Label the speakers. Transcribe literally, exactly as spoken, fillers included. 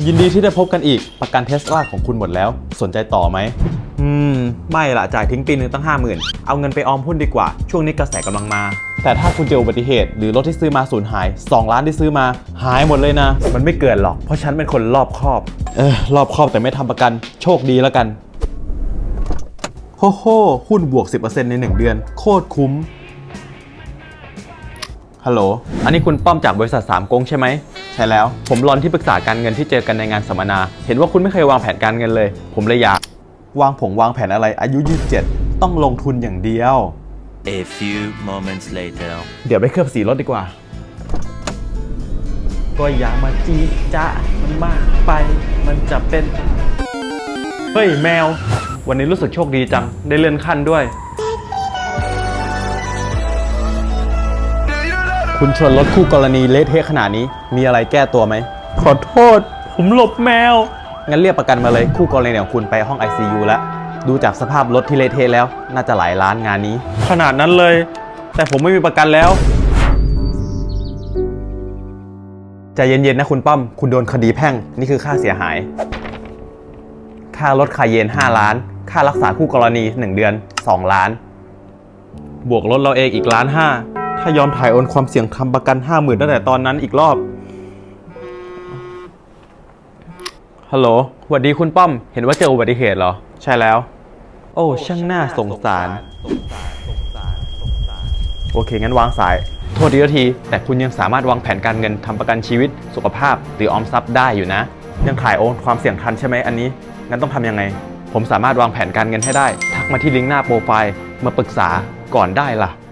Speaker 1: ยินดีที่ได้พบกันอีกประกันเทสลาของคุณหมดแล้วสนใจต่อไหมอืมไม่ละจ่ายทิ้งปีนึงตั้ง ห้าหมื่น เอาเงินไปออมหุ้นดีกว่าช่วงนี้กระแสกำลังมาแต่ถ้าคุณเจออุบัติเหตุหรือรถที่ซื้อมาสูญหายสองล้านที่ซื้อมาหายหมดเลยนะมันไม่เกินหรอกเพราะฉันเป็นคนรอบคอบเออรอบคอบแต่ไม่ทำประกันโชคดีแล้วกันโฮโฮหุ้นบวก สิบเปอร์เซ็นต์ ในหนึ่งเดือนโคตรคุ้มฮัลโหลอันนี้คุณป้อมจากบริษัทสามก๊งใช่ไหมใช่แล้วผมรอนที่ปรึกษาการเงินที่เจอกันในงานสัมมนาเห็นว่าคุณไม่เคยวางแผนการเงินเลยผมเลยอยากวางผงวางแผนอะไรอายุยี่สิบเจ็ดต้องลงทุนอย่างเดียว
Speaker 2: A few moments later
Speaker 1: เดี๋ยวไปเคลือบสีรถดีกว่าก็อย่ามาจี้จ้ามันมากไปมันจะเป็นเฮ้ยแมววันนี้รู้สึกโชคดีจังได้เลื่อนขั้นด้วยคุณชนรถคู่กรณีเละเทะขนาดนี้มีอะไรแก้ตัวไหมขอโทษผมหลบแมวงั้นเรียกประกันมาเลยคู่กรณีของคุณไปห้อง ไอ ซี ยู แล้วดูจากสภาพรถที่เละเทะแล้วน่าจะหลายล้านงานนี้ขนาดนั้นเลยแต่ผมไม่มีประกันแล้วใจเย็นๆนะคุณป้อมคุณโดนคดีแพ่งนี่คือค่าเสียหายค่ารถคาเยนห้าล้านค่ารักษาคู่กรณีหนึ่งเดือนสองล้านบวกรถเราเองอีกล้านห้าถ้ายอมถ่ายโอนความเสี่ยงทำประกัน ห้าหมื่น ตั้งแต่ตอนนั้นอีกรอบฮัลโหลสวัสดีคุณป้อมเห็นว่าเจออุบัติเหตุเหรอใช่แล้วโอ้ช่างน่าสงสารโอเคงั้นวางสายโทษทีทีแต่คุณยังสามารถวางแผนการเงินทำประกันชีวิตสุขภาพหรือออมทรัพย์ได้อยู่นะยังถ่ายโอนความเสี่ยงทันใช่ไหมอันนี้งั้นต้องทำยังไงผมสามารถวางแผนการเงินให้ได้ทักมาที่ลิงก์หน้าโปรไฟล์มาปรึกษาก่อนได้ล่ะ